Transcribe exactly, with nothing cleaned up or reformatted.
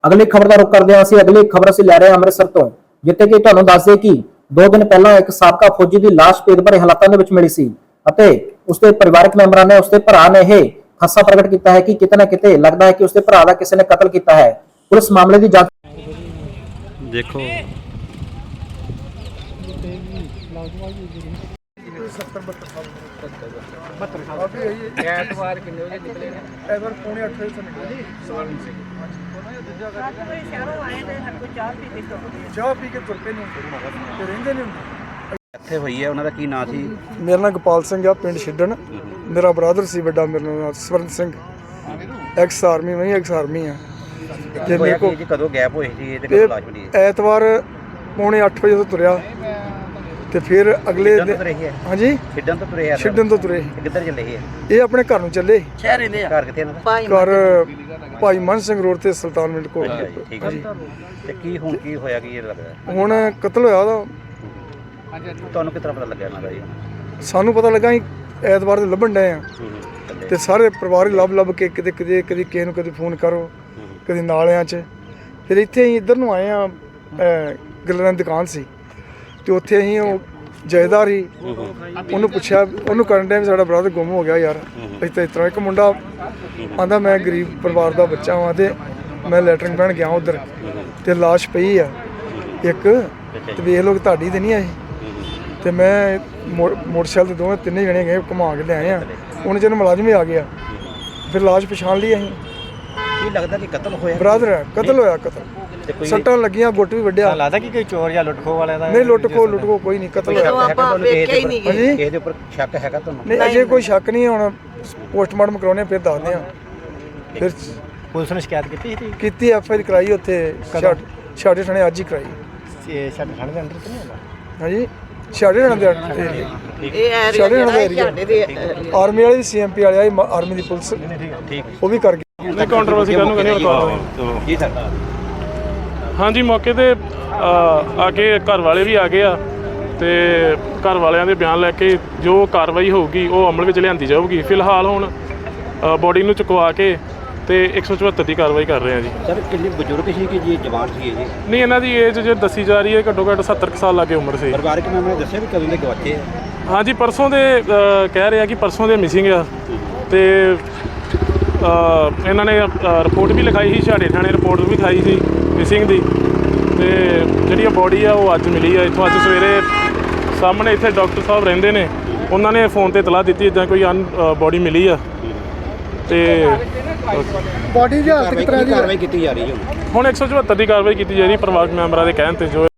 ਅਗਲੀ ਖਬਰ ਦਾ ਰੁਖ ਕਰਦੇ ਹਾਂ ਅਸੀਂ। ਅਗਲੀ ਖਬਰ ਅਸੀਂ ਲੈ ਰਹੇ ਹਾਂ ਅੰਮ੍ਰਿਤਸਰ ਤੋਂ, ਜਿੱਥੇ ਕਿ ਤੁਹਾਨੂੰ ਦੱਸ ਦਈਏ ਕਿ ਦੋ ਦਿਨ ਪਹਿਲਾਂ ਇੱਕ ਸਾਬਕਾ ਫੌਜੀ ਦੀ ਲਾਸ਼ ਭੇਦ ਭਰੇ ਹਾਲਾਤਾਂ ਦੇ ਵਿੱਚ ਮਿਲੀ ਸੀ ਅਤੇ ਉਸਦੇ ਪਰਿਵਾਰਕ ਮੈਂਬਰਾਂ ਨੇ ਉਸਦੇ ਭਰਾ ਨੇ ਇਹ ਖਦਸ਼ਾ ਪ੍ਰਗਟ ਕੀਤਾ ਹੈ ਕਿ ਕਿਤੇ ਨਾ ਕਿਤੇ ਲੱਗਦਾ ਹੈ ਕਿ ਉਸਦੇ ਭਰਾ ਦਾ ਕਿਸੇ ਨੇ ਕਤਲ ਕੀਤਾ ਹੈ। ਪੁਲਿਸ ਮਾਮਲੇ ਦੀ ਜਾਂਚ ਦੇਖੋ ਐਤਵਾਰ ਕਿੰਨੇ ਵਜੇ ਨਿਕਲੇ ਨੇ? ਐਤਵਾਰ ਪੌਣੇ ਅੱਠ ਵਜੇ ਤੋਂ ਨਿਕਲੇ ਸਵਾਰਨ ਸਿੰਘ। ਚਾਹ ਪੀ ਕੇ ਤੁਰ ਪਏ ਨੇ ਤੇ ਰਹਿੰਦੇ ਨੇ। ਇੱਥੇ ਹੋਈ ਹੈ, ਉਹਨਾਂ ਦਾ ਕੀ ਨਾਂ ਸੀ? ਮੇਰਾ ਨਾਮ ਗੋਪਾਲ ਸਿੰਘ ਆ, ਪਿੰਡ ਛਿੱਡਣ। ਮੇਰਾ ਬ੍ਰਦਰ ਸੀ ਵੱਡਾ, ਮੇਰਾ ਨਾਮ ਸਵਰਨ ਸਿੰਘ, ਐਕਸ ਆਰਮੀ। ਮੈਂ ਐਕਸ ਆਰਮੀ ਆ। ਤੇ ਮੇਰੇ ਕੋਲ ਕਦੋਂ ਗੈਪ ਹੋਈ ਸੀ ਤੇ ਕਦੋਂ ਲਾਸ਼ ਮਿਲੀ? ਐਤਵਾਰ ਪੌਣੇ ਅੱਠ ਵਜੇ ਤੋਂ ਤੁਰਿਆ ਤੇ ਫਿਰ ਅਗਲੇ ਹਾਂਜੀ ਛਿੱਡਣ ਤੋਂ ਤੁਰੇ ਆ? ਛਿੱਡਣ ਤੋਂ ਤੁਰੇ। ਕਿੱਧਰ ਚੱਲੇ ਸੀ? ਇਹ ਆਪਣੇ ਘਰ ਨੂੰ ਚੱਲੇ। ਸ਼ਹਿਰ ਰਹਿੰਦੇ ਆ? ਘਰ ਕਿੱਥੇ ਇਹਨਾਂ ਦਾ? ਘਰ ਭਾਈ ਮਨ ਸਿੰਘ ਰੋਡ ਤੇ ਸੁਲਤਾਨ ਮਿੰਟ ਕੋਲ। ਠੀਕ ਹੈ ਜੀ। ਤੇ ਕੀ ਹੁਣ ਕੀ ਹੋਇਆ, ਕੀ ਇਹ ਲੱਗਦਾ? ਹੁਣ ਕਤਲ ਹੋਇਆ ਉਹਦਾ। ਤੁਹਾਨੂੰ ਕਿਸ ਤਰ੍ਹਾਂ ਪਤਾ ਲੱਗਿਆ ਇਹਨਾਂ ਦਾ ਜੀ? ਸਾਨੂੰ ਪਤਾ ਲੱਗਾ ਅਸੀਂ ਐਤਵਾਰ ਦੇ ਲੱਭਣ ਡਏ ਆ ਤੇ ਸਾਰੇ ਪਰਿਵਾਰ ਹੀ ਲੱਭ ਲੱਭ ਕੇ ਕਿਤੇ ਕਿਤੇ ਕਦੀ ਕਿਸੇ ਨੂੰ ਕਦੇ ਫੋਨ ਕਰੋ, ਕਦੇ ਨਾਲਿਆਂ 'ਚ। ਫਿਰ ਇੱਥੇ ਅਸੀਂ ਇੱਧਰ ਨੂੰ ਆਏ ਆ, ਗੱਲਾਂ ਦੀ ਦੁਕਾਨ ਸੀ ਤੇ ਉੱਥੇ ਅਸੀਂ ਉਹ ਜਾਇਦਾਰ ਹੀ ਉਹਨੂੰ ਪੁੱਛਿਆ, ਉਹਨੂੰ ਕਰਨ ਡਿਆ ਵੀ ਸਾਡਾ ਬ੍ਰਦਰ ਗੁੰਮ ਹੋ ਗਿਆ ਯਾਰ। ਇਸ ਤਰ੍ਹਾਂ ਇਸ ਤਰ੍ਹਾਂ ਇੱਕ ਮੁੰਡਾ ਆਂਦਾ ਮੈਂ ਗਰੀਬ ਪਰਿਵਾਰ ਦਾ ਬੱਚਾ ਵਾਂ ਤੇ ਮੈਂ ਲੈਟਰਿੰਗ ਪੈਣ ਗਿਆ ਉੱਧਰ ਤੇ ਲਾਸ਼ ਪਈ ਆ ਇੱਕ, ਤੇ ਵੇਖ ਲਓ ਤੁਹਾਡੀ ਤੇ ਨਹੀਂ ਆਈ। ਤੇ ਮੈਂ ਮੋਟਰਸਾਈਕਲ ਤੇ ਦੋਵੇਂ ਤਿੰਨੇ ਜਣੇ ਗਏ, ਘੁਮਾ ਕੇ ਲਿਆਏ ਆ। ਉਹਨੇ ਜਦੋਂ ਮੁਲਾਜ਼ਮ ਹੀ ਆ ਗਿਆ ਫਿਰ ਲਾਸ਼ ਪਛਾਣ ਲਈ ਅਸੀਂ। ਕੀ ਲੱਗਦਾ ਕਿ ਕਤਲ ਹੋਇਆ? ਬ੍ਰਦਰ ਹੈ, ਕਤਲ ਹੋਇਆ। ਕਤਲ ਸੱਟਾਂ ਲੱਗੀਆਂ, ਗੁੱਟ ਵੀ ਵੱਢਿਆ। ਲੱਗਦਾ ਕਿ ਕੋਈ ਚੋਰ ਜਾਂ ਲੁੱਟਖੋ ਵਾਲਿਆਂ ਦਾ? ਨਹੀਂ, ਲੁੱਟ ਖੋ ਲੁੱਟ ਖੋ ਕੋਈ ਨਹੀਂ, ਕਤਲ ਹੋਇਆ। ਹਾਂਜੀ, ਕਿਸੇ ਦੇ ਉੱਪਰ ਸ਼ੱਕ ਹੈਗਾ ਤੁਹਾਨੂੰ? ਨਹੀਂ, ਅਜੇ ਕੋਈ ਸ਼ੱਕ ਨਹੀਂ। ਹੁਣ ਪੋਸਟਮਾਰਟਮ ਕਰਾਉਣੇ ਫਿਰ ਦੱਸਦੇ ਆ। ਫਿਰ ਪੁਲਿਸ ਨੇ ਸ਼ਿਕਾਇਤ ਕੀਤੀ ਸੀ? ਕੀਤੀ, ਐਫ ਆਈ ਆਰ ਕਰਾਈ ਉੱਥੇ ਛਾੜੇ ਥਾਣੇ ਅੱਜ ਹੀ ਕਰਾਈ। ਇਹ ਸਾਡੇ ਥਾਣੇ ਦੇ ਅੰਦਰ ਤਾਂ ਨਹੀਂ ਹੁੰਦਾ? ਹਾਂਜੀ, ਛਾੜੇ ਥਾਣੇ ਦੇ ਇਹ ਛਾੜੇ ਥਾਣੇ ਦੇ ਏਰੀਆ ਆਰਮੀ ਵਾਲੀ ਸੀ, ਐਮ ਪੀ ਵਾਲੇ ਆਈ, ਆਰਮੀ ਦੀ ਪੁਲਿਸ ਠੀਕ ਉਹ ਵੀ ਕਰ ਗਈ। ਨਹੀਂ ਕੰਟਰੋਵਰਸੀ ਕਰਨ ਨੂੰ ਕਹਿੰਦੇ ਹੁਣ ਜੀ ਸਰ। ਹਾਂਜੀ, ਮੌਕੇ ਤੇ ਆ ਕੇ ਘਰ ਵਾਲੇ ਵੀ ਆ ਗਏ ਆ ਤੇ ਘਰ ਵਾਲਿਆਂ ਦੇ ਬਿਆਨ ਲੈ ਕੇ ਜੋ ਕਾਰਵਾਈ ਹੋਊਗੀ ਉਹ ਅਮਲ ਵਿੱਚ ਲਿਆਂਦੀ ਜਾਊਗੀ। ਫਿਲਹਾਲ ਹੁਣ ਬੋਡੀ ਨੂੰ ਚੁਕਵਾ ਕੇ ਤੇ ਇੱਕ ਸੌ ਚੁਹੱਤਰ ਦੀ ਕਾਰਵਾਈ ਕਰ ਰਹੇ ਆ ਜੀ। ਸਰ ਕਿੰਨੇ ਬਜ਼ੁਰਗ ਸੀ ਕਿ ਜੀ ਜਵਾਨ ਸੀ ਇਹ ਜੀ? ਨਹੀਂ, ਇਹਨਾਂ ਦੀ ਏਜ ਜੋ ਦੱਸੀ ਜਾ ਰਹੀ ਹੈ ਘੱਟੋ ਘੱਟ ਸੱਤਰ ਕੁ ਸਾਲ ਲਾਗੇ ਉਮਰ ਸੀ। ਪਰਿਵਾਰਕ ਮੈਂਬਰਾਂ ਨੇ ਦੱਸਿਆ ਵੀ ਕਦੋਂ ਦੇ ਗਵਾਚੇ ਆ? ਹਾਂਜੀ, ਪਰਸੋਂ ਦੇ ਕਹਿ ਰਹੇ ਆ ਕਿ ਪਰਸੋਂ ਦੇ ਮਿਸਿੰਗ ਆ ਤੇ ਇਹਨਾਂ ਨੇ ਰਿਪੋਰਟ ਵੀ ਲਿਖਾਈ ਸੀ, ਛਾੜੇ ਥਾਣੇ ਰਿਪੋਰਟ ਵੀ ਲਿਖਾਈ ਸੀ ਮਿਸਿੰਗ ਦੀ। ਤੇ ਜਿਹੜੀ ਬੋਡੀ ਆ ਉਹ ਅੱਜ ਮਿਲੀ ਆ ਇੱਥੋਂ। ਅੱਜ ਸਵੇਰੇ ਸਾਹਮਣੇ ਇੱਥੇ ਡਾਕਟਰ ਸਾਹਿਬ ਰਹਿੰਦੇ ਨੇ, ਉਹਨਾਂ ਨੇ ਫੋਨ ਤੇ ਇਤਲਾਹ ਦਿੱਤੀ ਇੱਦਾਂ ਕੋਈ ਅਨ ਬੋਡੀ ਮਿਲੀ ਆ ਤੇ ਬੋਡੀ ਦੀ ਹਾਲਤ ਕਿਸ ਤਰ੍ਹਾਂ ਦੀ ਕਾਰਵਾਈ ਕੀਤੀ ਜਾ ਰਹੀ ਹੈ? ਹੁਣ ਇੱਕ ਸੌ ਚੁਹੱਤਰ ਦੀ ਕਾਰਵਾਈ ਕੀਤੀ ਜਾ ਰਹੀ ਪਰਿਵਾਰਕ ਮੈਂਬਰਾਂ ਦੇ ਕਹਿਣ ਤੇ। ਜੋ